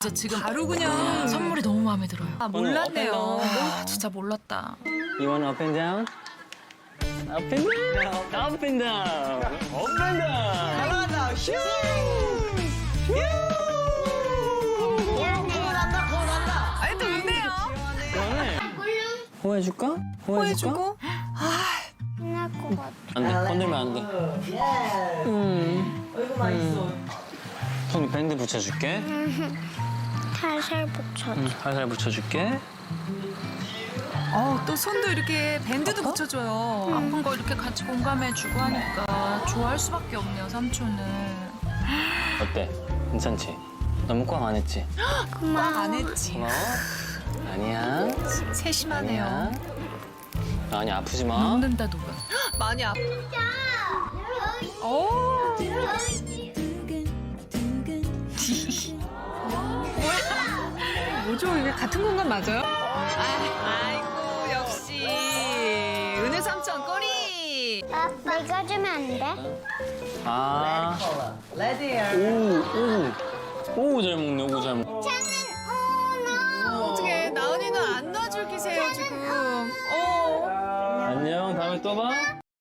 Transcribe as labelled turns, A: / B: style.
A: 진짜 지금
B: 바로 그냥
A: 선물이 너무 마음에 들어요.
B: 아, 몰랐네요.
A: 와, 진짜 몰랐다.
C: You want up and down? Up and down. Up and down. Up and down.
B: 잘한다. 휴. 아니 또 웃네요.
C: 그러네. 호해줄까?
B: 호해주고.
D: 끝날 것 같아.
C: 안 돼. 건들면 안 돼.
B: 어이구 맛있어.
C: 손 밴드 붙여줄게.
D: 살살 붙여줘.
C: 살살 붙여줄게.
B: 또 손도 이렇게 밴드도 붙여줘요.
A: 아픈 거 이렇게 같이 공감해주고 하니까 좋아할 수밖에 없네요, 삼촌은.
C: 어때? 괜찮지? 너무 꽉 안 했지?
B: 꽉 안 했지.
C: 고마워. 아니야.
B: 세심하네요.
C: 아니 아프지 마.
A: 녹는다, 녹아.
B: 많이 아파. 오. 뭐죠? 이게 같은 공간 맞아요? 아이고 역시 은혜 삼촌 꼬리.
D: 내가 주면 안 돼?
C: 아. 오, 잘 먹네. 오, 잘 먹네.
B: 어떻게 나은이는 안 놔줄 기세요 지금.
C: 안녕. 다음에 또 봐.